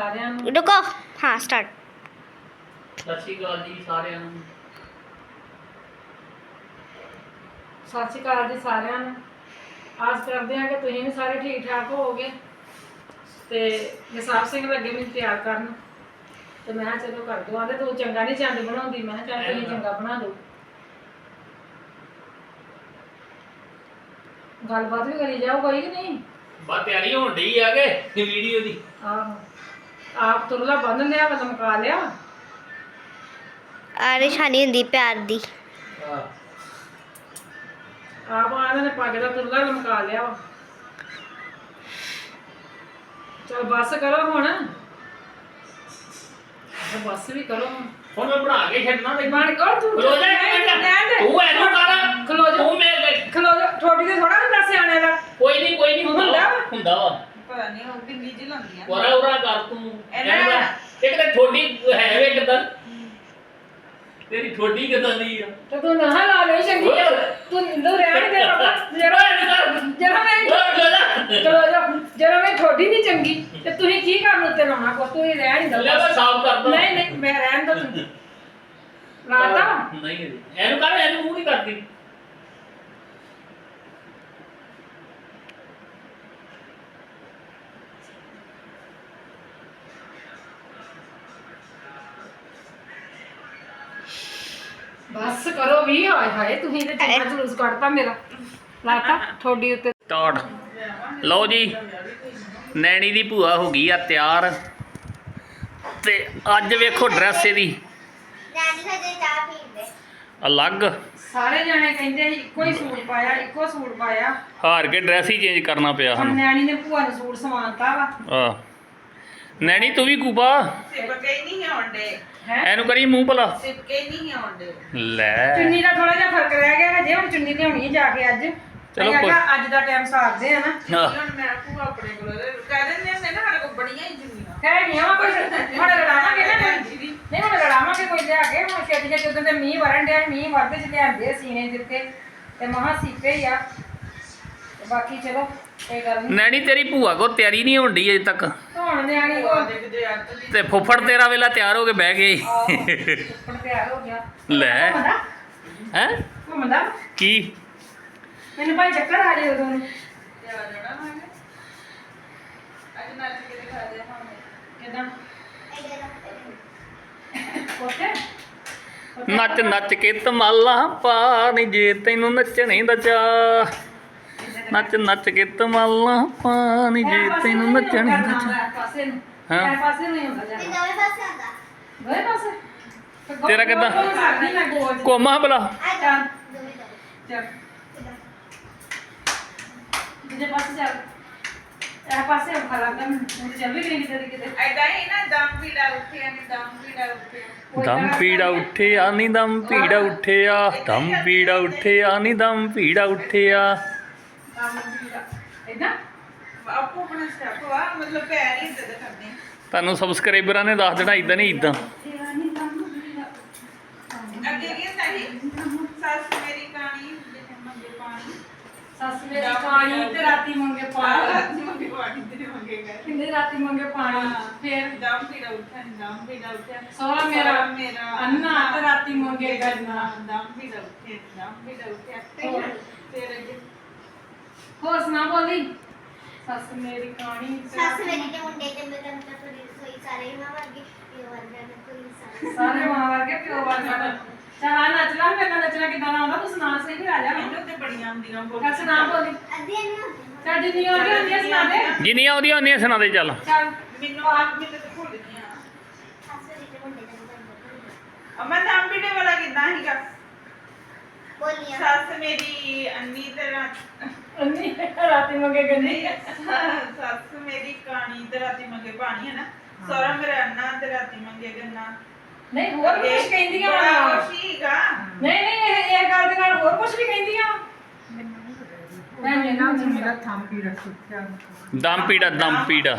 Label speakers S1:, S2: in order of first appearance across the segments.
S1: ਸਾਰਿਆਂ ਨੂੰ।
S2: रुको हाँ स्टार्ट।
S3: ਸਤਿ ਸ਼੍ਰੀ ਅਕਾਲ ਜੀ ਸਾਰਿਆਂ ਨੂੰ।
S1: ਸਤਿ ਸ਼੍ਰੀ ਅਕਾਲ ਜੀ ਸਾਰਿਆਂ ਨੂੰ। ਆਸ ਕਰਦੇ ਹਾਂ ਕਿ ਤੁਸੀਂ ਵੀ ਸਾਰੇ ਠੀਕ ਠਾਕ ਹੋਵੋਗੇ। ਤੇ ਜਸਵੰਤ ਸਿੰਘ ਲੱਗੇ ਮੈਨੂੰ ਤਿਆਰ ਕਰਨ, ਤੇ ਮੈਂ ਕਿਹਾ ਚਲੋ ਕਰ ਦੋ। ਆਂਦੇ ਤੂੰ ਚੰਗਾ ਨਹੀਂ ਚੰਦ ਬਣਾਉਂਦੀ। ਮੈਂ ਕਿਹਾ ਚੱਲ ਤੁਸੀਂ ਚੰਗਾ ਬਣਾ ਦਿਓ। ਗੱਲਬਾਤ ਵੀ ਕਰੀ ਜਾਓ ਕੋਈ ਕਿ ਨਹੀਂ।
S3: ਬਾ ਤਿਆਰੀ ਹੋਣ ਡਈ ਆ ਕੇ ਵੀਡੀਓ ਦੀ।
S1: ਆਹੋ ਆਪ ਤੁਰਲਾ ਬੰਨ ਲਿਆ ਵਾ, ਲਮਕਾ ਲਿਆ।
S2: अरे शानी हुंदी प्यार दी।
S1: ਆਪ ਆਇਹਨਾਂ ਨੇ ਪੱਗ ਦਾ ਤੁਰਲਾ ਲਮਕਾ ਲਿਆ ਵਾ। ਚਲ ਬੱਸ ਕਰੋ ਹੁਣ। ਬੱਸ ਵੀ ਕਰੋ
S3: ਹੁਣ ਮੈਂ ਬਣਾ ਕੇ ਛੱਡਣਾ ਤੇ
S1: ਬਣ ਕਰ ਤੂੰ।
S3: ਖਲੋ ਜਾ ਇੱਕ ਮਿੰਟ। ਤੂੰ ਐਨੂੰ ਕਰ।
S1: ਖਲੋ ਜਾ।
S3: ਤੂੰ ਮੇਰੇ
S1: ਖਲੋ ਜਾ। ਠੋਡੀ ਤੇ ਥੋੜਾ ਹੁੰਦਾ ਸਿਆਣੇ ਦਾ।
S3: ਕੋਈ ਨਹੀਂ
S1: ਹੁੰਦਾ ਵਾ।
S3: ਹੁੰਦਾ ਵਾ।
S4: ਪਤਾ ਨਹੀਂ ਉਹ ਕਿੰਨੀ ਜਿਹੀ ਲਾਉਂਦੀਆਂ
S3: ਉਰਾ ਉਰਾ ਕਰ ਤੂੰ। ਇੱਕ ਤਾਂ ਠੋਡੀ ਹੈ ਵੇ ਕਿਦਾਂ ਤੇਰੀ ਠੋਡੀ ਕਿਦਾਂ ਦੀ ਆ।
S1: ਤੇ ਤੂੰ ਨਾ ਲਾ ਲੈ ਚੰਗੀ। ਤੂੰ ਨਿੰਦੂ ਰਹਿਣ ਦੇ ਬਾਬਾ। ਜਰਾ ਮੈਂ ਚਲੋ ਜਾ। ਜਰਾ ਮੈਂ ਠੋਡੀ ਨਹੀਂ ਚੰਗੀ ਤੇ ਤੁਸੀਂ ਕੀ ਕਰਨ ਉੱਤੇ ਲਾਉਣਾ ਕੋ। ਤੂੰ ਹੀ ਰਹਿਣ ਨਹੀਂ
S3: ਲੈ ਮੈਂ ਸਾਫ਼ ਕਰਦਾ।
S1: ਨਹੀਂ ਮੈਂ ਰਹਿਣ ਦੋ ਤੂੰ। ਰਾਤਾ
S3: ਨਹੀਂ ਇਹਨੂੰ ਕਰ, ਇਹਨੂੰ ਮੂੰਹ ਨਹੀਂ ਕਰਦੀ।
S1: ਬਸ ਕਰੋ ਵੀ। ਹਾਏ ਹਾਏ ਤੁਸੀਂ ਤੇ ਚੰਗਾ ਜਲੂਸ ਕੱਢਤਾ ਮੇਰਾ। ਲਾਤਾ ਠੋਡੀ ਉੱਤੇ।
S3: ਸਟਾਰਟ। ਲਓ ਜੀ ਨੈਣੀ ਦੀ ਭੂਆ ਹੋ ਗਈ ਆ ਤਿਆਰ, ਤੇ ਅੱਜ ਵੇਖੋ ਡਰੈਸ ਇਹਦੀ ਅਲੱਗ।
S1: ਸਾਰੇ ਜਾਣੇ ਕਹਿੰਦੇ ਸੀ ਇੱਕੋ ਹੀ ਸੂਟ ਪਾਇਆ, ਇੱਕੋ ਸੂਟ ਪਾਇਆ।
S3: ਹਾਰ ਕੇ ਡਰੈਸ ਹੀ ਚੇਂਜ ਕਰਨਾ ਪਿਆ
S1: ਹੁਣ
S3: ਸਾਨੂੰ।
S1: ਨਿਆਣੀ ਨੇ ਭੂਆ ਨੂੰ ਸੂਟ ਸਵਾਨਤਾ ਵਾ।
S3: ਆ ਨੈਣੀ ਤੂੰ ਵੀ ਕੂਪਾ
S4: ਸਿਪਕੇ ਹੀ ਨਹੀਂ ਆਉਂਦੇ।
S1: ਹੈ
S3: ਇਹਨੂੰ ਕਰੀ ਮੂੰਹ ਭਲਾ।
S4: ਸਿਪਕੇ ਹੀ ਨਹੀਂ ਆਉਂਦੇ।
S3: ਲੈ
S1: ਚੁੰਨੀ ਦਾ ਥੋੜਾ ਜਿਹਾ ਫਰਕ ਰਹਿ ਗਿਆ ਹਜੇ। ਹੁਣ ਚੁੰਨੀ ਲਿਆਉਣੀ ਜਾ ਕੇ ਅੱਜ।
S3: ਚਲੋ
S1: ਚਲੋ ਅੱਜ ਦਾ ਟਾਈਮ ਸਾਰਦੇ ਆ ਨਾ।
S4: ਹੁਣ ਮੈਂ ਭੂਆ ਆਪਣੇ ਕੋਲ ਕਹਿ ਦਿੰਦੇ ਹੁੰਦੇ ਨਾ ਸਾਡੇ ਕੋਲ ਬੜੀਆਂ ਹੀ ਜੁਨੀਆਂ।
S1: ਕਹਿ ਗਈਆਂ ਵਾ ਕੁਝ। ਹੁਣ ਲੜਾਵਾਂਗੇ ਨਾ ਕੋਈ। ਨਹੀਂ ਹੁਣ ਲੜਾਵਾਂਗੇ ਕੋਈ ਲਿਆ ਕੇ। ਹੁਣ ਛੇਤੀ ਛੇਤੀ ਉਦੋਂ ਤੇ ਮੀਂਹ ਵਰਨ ਡਿਆ। ਮੀਂਹ ਵਰਦੇ ਚ ਲਿਆਂਦੇ ਸੀਨੇ ਦਿੱਤੇ ਤੇ ਮਹਾਂ ਸੀਪੇ ਹੀ ਆ। ਤੇ ਬਾਕੀ ਚਲੋ ਕੋਈ ਗੱਲ ਨਹੀਂ।
S3: ਨੈਣੀ ਤੇਰੀ ਭੂਆ ਕੋ ਤਿਆਰੀ ਨਹੀਂ ਹੋਣ ਡਈ ਅਜੇ ਤੱਕ,
S1: ਹੁਣ ਨਿਆਣੀ ਕੋ
S4: ਦੇਖਦੇ ਅੱਤ ਦੀ
S3: ਤੇ ਫੁੱਫੜ ਤੇਰਾ ਵੇਲਾ ਤਿਆਰ ਹੋ ਕੇ ਬਹਿ ਗਏ।
S1: ਉੱਪਰ ਤਿਆਰ ਹੋ ਗਿਆ।
S3: ਲੈ
S1: ਘੁੰਮਦਾ
S3: ਹੈ
S1: ਘੁੰਮਦਾ।
S3: ਕੀ
S1: ਮੈਨੂੰ ਭਾਈ ਚੱਕਰ ਆ ਰਹੇ ਉਦੋਂ ਨੂੰ।
S4: ਤੇ ਆ ਜਾਣਾ ਮੈਂ ਅੱਜ ਨੱਚ ਕੇ ਦਿਖਾ ਦੇ ਭਾਵੇਂ
S1: ਕਿਦਾਂ ਕੋਤੇ
S3: ਨੱਚ ਨੱਚ ਕੇ ਧਮਾਲਾਂ ਪਾ ਨੀ ਜੇ ਤੈਨੂੰ ਨੱਚਣੇ ਦਾ ਚਾਅ। ਨੱਚ ਨੱਚ ਕੇ ਧਮਾਲਾਂ ਪਾ ਨੀ ਜੇ ਤੈਨੂੰ ਨੱਚਣੇ ਦਾ ਚਾਅ।
S1: ਪਾਸੇ ਨੂੰ
S3: ਹਾਂ।
S1: ਇਹ ਪਾਸੇ ਨਹੀਂ ਹੁੰਦਾ ਜਾਂਦਾ। ਦੋਵੇਂ ਪਾਸੇ
S3: ਤੇਰਾ ਕਿੱਦਾਂ?
S1: ਕਰਦੀ ਮੈਂ ਗੋਲ
S3: ਕੋਮਾ ਭਲਾ
S1: ਚੱਲ ਚੱਲ ਦੂਜੇ ਪਾਸੇ ਚੱਲ। ਇਹ ਪਾਸੇ ਉਹ ਖਲਾ ਕਰ। ਹੁਣ ਚੱਲ ਵੀ ਗਈ ਕਿਤੇ ਕਿਤੇ।
S4: ਐਡਾ ਹੀ ਨਾ ਦਮ ਪੀੜਾ ਉੱਠਿਆ ਨਹੀਂ ਦਮ ਪੀੜਾ ਉੱਠਿਆ।
S3: ਦਮ ਪੀੜਾ ਉੱਠਿਆ ਨੀ ਦਮ ਪੀੜਾ ਉੱਠਿਆ, ਦਮ ਪੀੜਾ ਉੱਠਿਆ ਨੀ ਦਮ ਪੀੜਾ ਉੱਠਿਆ।
S1: ਇਦਾਂ
S4: ਆਪੋ ਆਪਣਾ ਸਟੈਪ ਵਾ ਮਤਲਬ ਪੈਰ ਹੀ ਇੱਦਾਂ ਦੇ ਕਰਦੇ ਆ।
S3: ਤੁਹਾਨੂੰ ਸਬਸਕ੍ਰਾਈਬਰਾਂ ਨੇ ਦੱਸ ਦੇਣਾ ਇਦਾਂ ਨਹੀਂ ਇਦਾਂ।
S4: ਅੱਗੇ ਕੀ ਹੁੰਦਾ ਸੀ ਸੱਸ ਮੇਰੀ ਕਾਣੀ ਮੰਗੇ ਪਾਣੀ।
S1: ਸੱਸ ਮੇਰੀ ਪਾਣੀ ਤੇ ਰਾਤੀ ਮੰਗੇ ਪਾਣੀ।
S4: ਰਾਤੀ ਮੰਗੇ ਪਾਣੀ ਤੇ ਮੰਗੇ ਗਏ।
S1: ਕਿੰਨੇ ਰਾਤੀ ਮੰਗੇ ਪਾਣੀ। ਫੇਰ
S4: ਦਮ ਪੀੜਾ ਉੱਠਿਆ ਨੀ ਦਮ ਪੀੜਾ ਉੱਠਿਆ।
S1: ਸੋਹਰਾ ਮੇਰਾ
S4: ਮੇਰਾ
S1: ਅੰਨਾ ਤੇ ਰਾਤੀ ਮੰਗੇ ਗੰਨਾ।
S4: ਦਮ ਪੀੜਾ ਉੱਠਿਆ ਦਮ ਪੀੜਾ ਉੱਠਿਆ।
S1: ਹੋਰ।
S4: ਫਿਰ ਅੱਗੇ
S1: ਹੋਰ ਸੁਣਾ ਬੋਲੀ। ਸੱਸ ਮੇਰੀ ਕਾਣੀ ਤੇ ਸਾਰੇ ਮਾਂ ਵਰਗੇ ਪਿਓ ਵਰਗਾ। ਚਾਹ ਨੱਚ ਲਾ। ਮੇਰੇ ਨਾਲ ਨੱਚਣਾ ਕਿਦਾਂ ਆਉਂਦਾ ਤੂੰ ਸੁਣਾ ਸਹੀ ਵੀ ਆ ਜਾ।
S4: ਮੈਨੂੰ ਤੇ ਬੜੀਆਂ ਆਉਂਦੀਆਂ
S1: ਚੱਲ ਸੁਣਾ ਬੋਲੀ। ਚੱਲ ਜਿੰਨੀ ਆਉਂਦੀ ਹੁੰਦੀ ਆ ਸੁਣਾ ਦੇ।
S3: ਜਿੰਨੀਆਂ ਆਉਂਦੀਆਂ ਉਹਨੀਆਂ ਸੁਣਾ ਦੇ ਚੱਲ।
S1: ਚੱਲ
S4: ਮੈਨੂੰ ਆਪ ਮੈਨੂੰ ਤੇ ਭੁੱਲ ਗਈਆਂ। ਅਮਨ ਦਮ ਪੀੜੇ ਵਾਲਾ ਕਿੱਦਾਂ ਸੀਗਾ? ਸੱਸ ਮੇਰੀ ਅੰਨੀ ਤੇ
S1: ਅੰਨੀ ਰਾਤੀ ਮੰਗੇ ਗੰਨੀ।
S4: ਸੱਸ ਮੇਰੀ ਕਾਣੀ ਤੇ ਰਾਤੀ ਮੰਗੇ ਪਾਣੀ ਹੈ ਨਾ। ਸੋਹਰਾ ਮੇਰਾ ਅੰਨਾ ਤੇ ਰਾਤੀ ਮੰਗੇ ਗੰਨਾ।
S1: ਨਹੀਂ ਹੋਰ ਵੀ ਕੁਝ ਕਹਿੰਦੀਆਂ
S4: ਬੜਾ
S1: ਵਾ।
S4: ਕੁਛ ਸੀਗਾ।
S1: ਨਹੀਂ ਨਹੀਂ ਇਹ ਗੱਲ ਦੇ ਨਾਲ ਹੋਰ ਕੁਝ ਵੀ ਕਹਿੰਦੀਆਂ ਵਾ। ਮੈਂ ਨਾ ਮੇਰਾ
S3: ਦਮ ਪੀੜਾ ਦਮ ਪੀੜਾ
S1: ਦਮ ਬੀੜਾ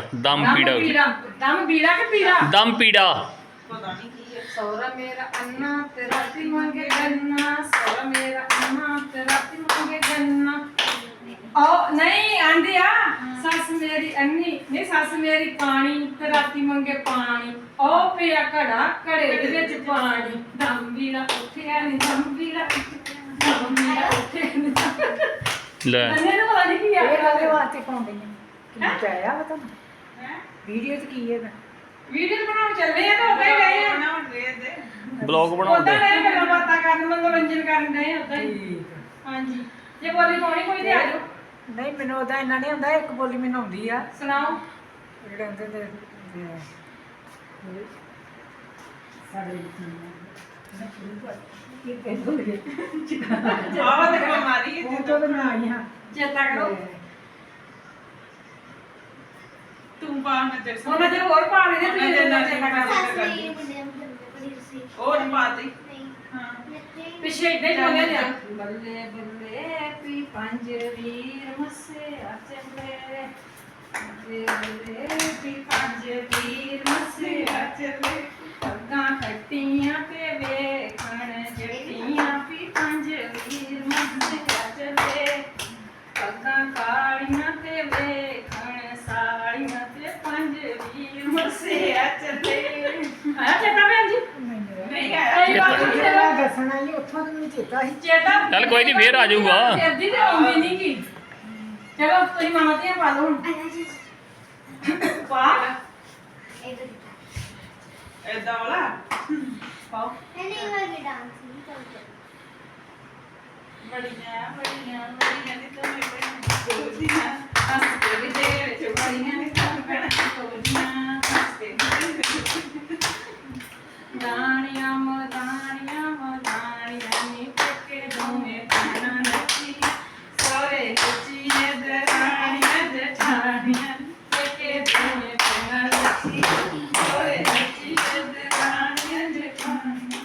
S1: ਕਿ ਪੀੜਾ।
S3: ਦਮ ਪੀੜਾ
S4: ਪਤਾ ਨਹੀਂ ਕੀ ਹੈ।
S1: ਸੋਹਰਾ ਮੇਰਾ ਅੰਨਾ ਤੇ ਰਾਤੀ ਮੰਗੇ ਗੰਨਾ। ਸੋਹਰਾ ਮੇਰਾ ਅੰਨਾ ਤੇ ਰਾਤੀ ਮੰਗੇ ਗੰਨਾ। ਉਹ ਨਹੀਂ ਆਂਦੀ ਆ ਸੱਸ ਮੇਰੀ ਅੰਨੀ ਨਹੀਂ ਸੱਸ ਮੇਰੀ ਪਾਣੀ ਤੇ ਰਾਤੀ ਮੰਗੇ ਪਾਣੀ ਉਹ ਪਿਆ ਘੜਾ ਘੜੇ ਦੇ ਵਿੱਚ ਪਾਣੀ ਦਮ ਵੀਰਾ ਉੱਠਿਆ ਨਹੀਂ ਦਮ ਵੀਰਾ ਉੱਠਿਆ ਨਹੀਂ
S3: ਲੈ
S1: ਅੰਨੇ ਨੂੰ ਪਤਾ ਨਹੀਂ ਕੀ ਆ
S5: ਕਾਹਦੇ ਵਾਸਤੇ ਪਾਉਂਦੇ ਨੇ ਕੀ ਚਾਹਿਆ ਵਾ ਤੁਹਾਨੂੰ
S4: ਹੈ
S5: ਵੀਡੀਓ 'ਚ ਕੀ ਹੈ
S1: ਵੀਡੀਓ ਬਣਾਉਣ ਚੱਲੇ ਆ ਤਾਂ ਉੱਦਾਂ ਹੀ ਗਏ ਆ
S4: ਬਣਾਉਣ ਦੇ ਦੇ
S3: ਬਲੌਗ
S1: ਉੱਦਾਂ
S3: ਬਣਾਉਂਦੇ
S1: ਗਏ ਗੱਲਾਂ ਬਾਤਾਂ ਕਰਨ ਮਨੋਰੰਜਨ ਕਰਨ ਗਏ ਉੱਦਾਂ ਹੀ
S5: ਠੀਕ
S1: ਹਾਂਜੀ ਜੇ ਬੋਲੀ ਪਾਉਣੀ ਕੋਈ ਤੇ ਆ ਜਾਓ
S5: ਨਹੀਂ ਮੈਨੂੰ ਉਹਦਾ ਇੰਨਾ ਨਹੀਂ ਹੁੰਦਾ ਇੱਕ ਬੋਲੀ ਮੈਨੂੰ ਆਉਂਦੀ ਆ
S1: ਸੁਣਾਓ
S5: ਜਿਹੜੇ ਹੁੰਦੇ ਨੇ ਸਾਡੇ ਕੀ ਕਹਿੰਦੇ
S4: ਆਵਾ ਤੇ ਬਿਮਾਰੀ ਹੈ
S5: ਉਹ ਤੋਂ ਮੈਂ ਆਈ ਹਾਂ
S1: ਚੇਤਾ ਕਰੋ
S4: ਤੂੰ ਬਾਹਰ ਨਜ਼ਰ ਸੁਣ
S1: ਉਹਨਾਂ ਜੇ ਹੋਰ ਪਾ ਲੈਣੇ ਤੁਸੀਂ ਜਿੰਨਾ ਚੇਤਾ ਕਰ
S4: ਉਹ ਨਹੀਂ ਪਾਤੀ ਹਾਂ
S1: ਪਿੱਛੇ ਇਦਾਂ ਹੀ ਬੋਲਿਆ ਲਿਆ ਬੱਲੇ ਬੱਲੇ ਪੀ ਪੰਜ ਵੀਰ ਮੱਸੇ ਆ ਚੱਲੇ ਬੱਲੇ ਬੱਲੇ ਪੀ ਪੰਜ ਵੀਰ ਮੱਸੇ ਆ ਚੱਲੇ ਪੱਗਾਂ ਖੱਟੀਆਂ ਤੇ ਵੇਖਣ ਜੱਟੀਆਂ ਪੀ ਪੰਜ ਵੀਰ ਮੱਸੇ ਆ ਚੱਲੇ ਪੱਗਾਂ ਕਾਲੀਆਂ ਤੇ ਵੇਖਣ ਸਾਲੀਆਂ ਤੇ ਪੰਜ ਵੀਰ ਮੱਸੇ ਆ ਚੱਲੇ ਆ ਚੇਤਾ ਭੈਣ ਜੀ
S4: ਨਹੀਂ ਆਇਆ
S1: ਕਈ ਵਾਰ ਤੁਸੀਂ
S5: ਜਿਹੜਾ ਦੱਸਣਾ ਹੀ ਉੱਥੋਂ ਤੋਂ ਮੈਨੂੰ ਚੇਤਾ ਸੀ
S1: ਚੇਤਾ
S3: ਚੱਲ ਕੋਈ ਨਹੀਂ ਫੇਰ ਆ ਜਾਊਗਾ
S1: ਜਲਦੀ ਤੇ ਆਉਂਦੀ ਨਹੀਂ ਕੀ ਚਲੋ ਤੁਸੀਂ ਮਾਮਾ ਦੀਆਂ ਪਾ ਲਓ ਹੁਣ ਪਾ
S4: ਐਦਾਂ ਵਾਲਾ
S1: ਪਾਓ
S4: ਬੜੀਆਂ ਦੀ ਤਾਂ ਮੈਂ ਬੜੀਆਂ
S1: ਹੱਸ ਕੇ ਵੀ ਦੇ ਵਿੱਚ ਬੜੀਆਂ ਨੇ ਕੰਮ ਕਰਨਾ ਕੋਲੀਆਂ ਹੱਸ ਕੇ ਦਾਣੀਆਂ ਨੀ ਪੱਕੇ ਦੋਵੇਂ ਪਾਣਾ ਨੱਚੀ ਸੋਰੇ ਨੱਚੀ ਨੇ ਦਰਾਣੀਆਂ ਜਠਾਣੀਆਂ ਪੱਕੇ ਦੋਵੇਂ ਪਾਣਾ ਨੱਚੀ ਸੋਰੇ ਨੱਚੀ ਨੇ ਦਰਾਣੀਆਂ ਜਠਾਣੀਆਂ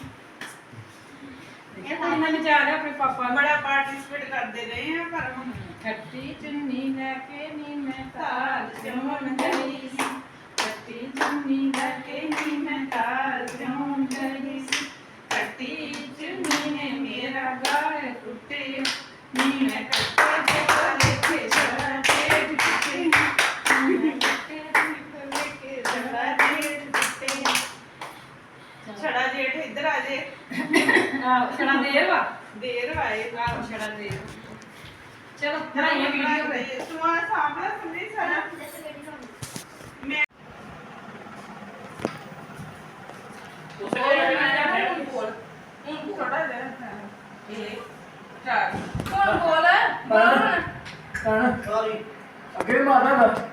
S1: ਇਹਨਾਂ ਨੇ ਜਾ ਰਿਹਾ ਆਪਣੇ ਪਾਪਾ
S4: ਬੜਾ ਪਾਰਟਿਸਿਪੇਟ ਕਰਦੇ ਰਹੇ ਆ ਪਰ ਹੁਣ
S1: ਖੱਟੀ ਚੁੰਨੀ ਲੈ ਕੇ ਨੀ ਮੈਂ ਤਾਲ ਜਮਨ ਗਈ ਸੀ ਖੱਟੀ ਚੁੰਨੀ ਲੈ ਕੇ ਨੀ ਮੈਂ ਤਾਲ ਜਮਨ ਗਈ ਸੀ ਖੱਟੀ ਚੁੰਨੀ ਨੇ ਮੇਰਾ ਗਾਲ ਟੁੱਟੇ ਨੀ ਮੈਂ ਕੱਟੇ ਦੇ ਕੋਲੇ ਕੇ ਛੜਾ ਦੇ ਟੁੱਟੇ ਨੀ ਮੈਂ ਕੱਟੇ ਦੇ ਕੋਲੇ ਕੇ ਛੜਾ ਦੇ ਟੁੱਟੇ
S4: ਛੜਾ ਜੇਠ ਇੱਧਰ ਆ ਜੇ
S1: ਆਹ ਛੜਾ ਦੇਰ ਵਾ
S4: ਦੇਰ ਆਏ
S1: ਆਹ ਛੜਾ ਦੇਰ ਚਲੋ ਬਣਾਈਏ ਵੀਡੀਓ
S4: ਤੂੰ ਆ ਸਾਹਮਣੇ ਸੁਣੀ ਸਾਰਾ ਮੈਂ ਥੋੜਾ ਜਿਹਾ ਇਹ ਚਾਰ
S1: ਕੌਣ ਬੋਲ
S5: ਅੱਗੇ ਮਾਰਦਾ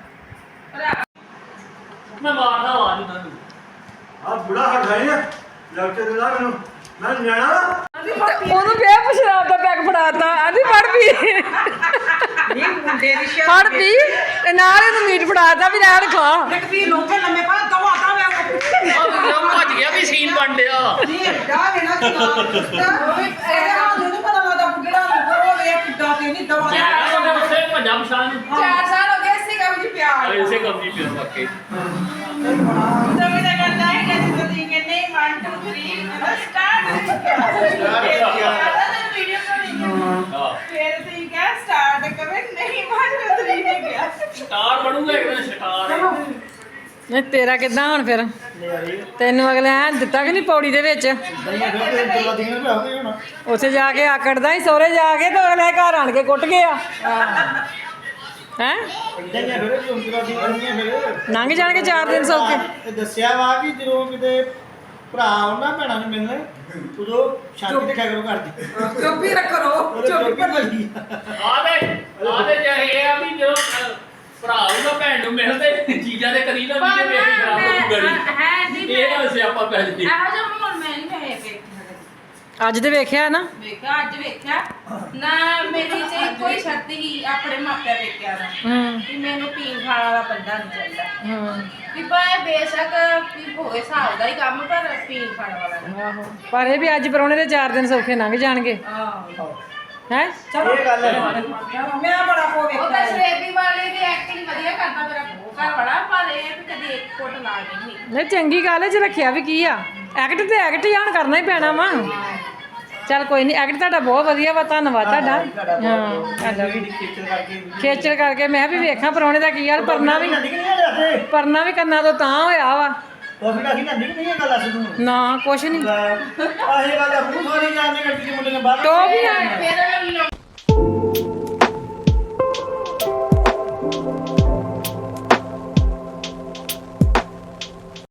S3: ਮੈਂ ਮਾਰਦਾ ਆਵਾਜ਼ ਉਹਨਾਂ ਨੂੰ
S6: ਆ ਬੁੜਾ ਹਟਾਈ ਲੱਗ ਤੇ ਨਾ ਮੈਨੂੰ ਮੈਂ ਨਿਆਣਾ
S7: ਉਹਨੂੰ ਫੇਰ ਸ਼ਰਾਬ ਦਾ ਪੈਕ ਫੜਾਤਾ ਆਂਦੀ ਫੜ ਪੀ
S5: ਨਹੀਂ ਮੁੰਡੇ ਦੀ
S7: ਫੜ ਪੀ ਤੇ ਨਾਲ ਇਹਨੂੰ ਮੀਟ ਫੜਾਤਾ ਵੀ ਨਾਲ ਖਾ
S5: ਵੀ ਲੋਕੇ ਲੰਮੇ ਪਾ ਦਵਾ ਦਾ
S3: ਉਹ ਭੱਜ ਗਿਆ ਵੀ ਸੀਨ ਬਣ ਡਿਆ
S5: ਨਹੀਂ ਡਾ ਵੇਣਾ ਕਿ ਇਹਦੇ ਹਾਲ ਨੂੰ ਪਤਾ ਲੱਗਦਾ ਬੁੱਢੜਾ ਨੂੰ ਉਹ ਵੇਖ ਕਿੱਦਾਂ ਤੇ ਨਹੀਂ ਦਵਾ
S3: ਉਹਦੇ ਉੱਤੇ ਭੱਜਾ ਪਛਾਣ
S4: 4 ਸਾਲ ਹੋ ਗਏ ਇਸੇ ਕੰਮ 'ਚ ਪਿਆਰ
S3: ਇਸੇ ਕੰਮ ਦੀ ਪਿਆ ਵਾਕਈ
S4: ਤਾਂ ਵੀ ਤਾਂ ਕਰਦਾ ਹੈ ਕਿ ਤੁਸੀਂ ਕਹਿੰਦੇ 1 2 3 ਸਟਾਰਟ ਵੀਡੀਓ ਬਣਾਉਣੀ
S3: ਹਾਂ
S4: ਫਿਰ ਤੁਸੀਂ ਕਿਹਾ ਸਟਾਰਟ ਕਰੇ ਨਹੀਂ 1 2 3 ਨਹੀਂ ਗਿਆ
S3: ਸਟਾਰ ਬਣੂਗਾ ਇੱਕ ਦਿਨ ਸਟਾਰ
S7: ਨਹੀਂ ਤੇਰਾ ਕਿੱਦਾਂ ਹੁਣ ਫਿਰ ਤੈਨੂੰ ਅਗਲੇ ਐ ਦਿੱਤਾ ਕਿ ਨਹੀਂ ਪੌੜੀ ਦੇ ਵਿੱਚ ਉੱਥੇ ਜਾ ਕੇ ਆਕੜਦਾ ਹੀ ਸਹੁਰੇ ਜਾ ਕੇ ਤੇ ਅਗਲੇ ਘਰ ਆਣ ਕੇ ਕੁੱਟ ਗਿਆ ਹੈ ਲੰਘ ਜਾਣਗੇ 4 ਦਿਨ ਸੌਕੇ
S8: ਇਹ ਦੱਸਿਆ ਵਾ ਕਿ ਜਦੋਂ ਕਿਤੇ ਭਰਾ ਉਹਨਾਂ ਭੈਣਾਂ ਨੂੰ ਮਿਲਣ ਉਦੋਂ ਸ਼ਾਂਤੀ ਰੱਖਿਆ ਕਰੋ ਘਰ ਦੀ
S5: ਚੁੱਪ ਹੀ ਰੱਖੋ
S8: ਚੁੱਪ ਲੱਗੀ
S3: ਆਦੇ ਜੇ ਇਹ ਆ ਵੀ ਜਦੋਂ ਭਰਾ ਉਹਦਾ ਭੈਣ ਨੂੰ ਮਿਲਦੇ ਚੀਜ਼ਾਂ ਦੇ ਕਰੀ ਨਾ ਵੀ ਮੇਰੀ ਖਰਾਬ ਹੋ ਗਈ ਇਹ ਨਾ ਸਿਆਪਾ ਪੈ ਜੀ
S4: ਇਹੋ ਜਿਹਾ ਮਾਹੌਲ ਮੈਂ ਨਹੀਂ ਵੇਖਿਆ
S7: ਅੱਜ ਤੇ ਵੇਖਿਆ ਨਾ
S4: ਵੇਖਿਆ ਅੱਜ ਵੇਖਿਆ ਨਾ ਮੇਰੀ ਤੇ ਕੋਈ ਸ਼ਰਤ ਹੀ ਆਪਣੇ ਮਾਪਿਆਂ ਵੇਖਿਆ ਨਾ
S7: ਹੂੰ
S4: ਕਿ ਮੈਨੂੰ ਪੀਣ ਖਾਣ ਵਾਲਾ ਬੰਦਾ ਨਹੀਂ ਚਾਹੀਦਾ
S7: ਹੂੰ
S4: ਵੀ ਭਾਵੇਂ ਬੇਸ਼ੱਕ ਵੀ ਹੋਵੇ ਹਿਸਾਬ ਦਾ ਹੀ ਕੰਮ ਪਰ ਪੀਣ ਖਾਣ ਵਾਲਾ ਨਹੀਂ
S7: ਆਹੋ ਪਰ ਇਹ ਵੀ ਅੱਜ ਪਰੌਣੇ ਦੇ 4 ਦਿਨ ਸੌਖੇ ਲੰਘ ਜਾਣਗੇ
S4: ਆਹੋ
S7: ਹੈ
S8: ਇਹ ਗੱਲ ਹੈ
S5: ਮੈਂ ਬੜਾ ਕੋ
S4: ਉਹ
S5: ਵੇਖਿਆ
S4: ਤਾਂ ਸ਼ਰੇਬੀ ਵਾਲੇ ਦੀ ਐਕਟਿੰਗ ਵਧੀਆ ਕਰਦਾ ਮੇਰਾ ਘਰ ਵਾਲਾ ਪਰ ਇਹ ਵੀ ਕਦੀ ਇੱਕ ਫੁੱਟ ਲਾ ਨਹੀਂ
S7: ਨਹੀਂ ਚੰਗੀ ਗੱਲ ਹੈ ਜੇ ਰੱਖਿਆ ਵੀ ਕੀ ਆ ਐਕਟ ਤੇ ਐਕਟ ਹੀ ਆਣ ਕਰਨਾ ਹੀ ਪੈਣਾ ਵਾ
S1: ਚੱਲ ਕੋਈ ਨਹੀਂ, ਐਕਟ ਤੁਹਾਡਾ ਬਹੁਤ ਵਧੀਆ ਵਾ, ਧੰਨਵਾਦ ਤੁਹਾਡਾ। ਹਾਂ ਤੁਹਾਡਾ ਵੀ
S8: ਖੇਚਲ ਕਰਕੇ
S1: ਖੇਚਲ ਕਰਕੇ ਮੈਂ ਵੀ ਵੇਖਾਂ ਪਰੌਣੇ ਦਾ ਕੀ ਹਾਲ। ਪਰਨਾ ਵੀ
S8: ਲੈਂਦੀ ਕਿ ਨਹੀਂ ਹਲੇ
S1: ਪਰਨਾ ਵੀ ਕੰਨਾਂ ਤੋਂ ਤਾਂ ਹੋਇਆ ਵਾ।
S8: ਕਾਫੀ ਦਾ ਲੈਂਦੀ ਕਿ ਨਹੀਂ ਇਹ ਗੱਲ ਦੱਸ ਤੂੰ
S1: ਨਾ ਕੁਛ ਨਹੀਂ।
S8: ਆਹੇ ਗੱਲ ਆ ਮੂੰਹ ਸਾਰੀ ਜਾਣਦੇ ਗੱਡੀ ਦੇ ਮੁੰਡੇ ਨੇ ਬਾਹਰ
S1: ਟੋਪੀਆਂ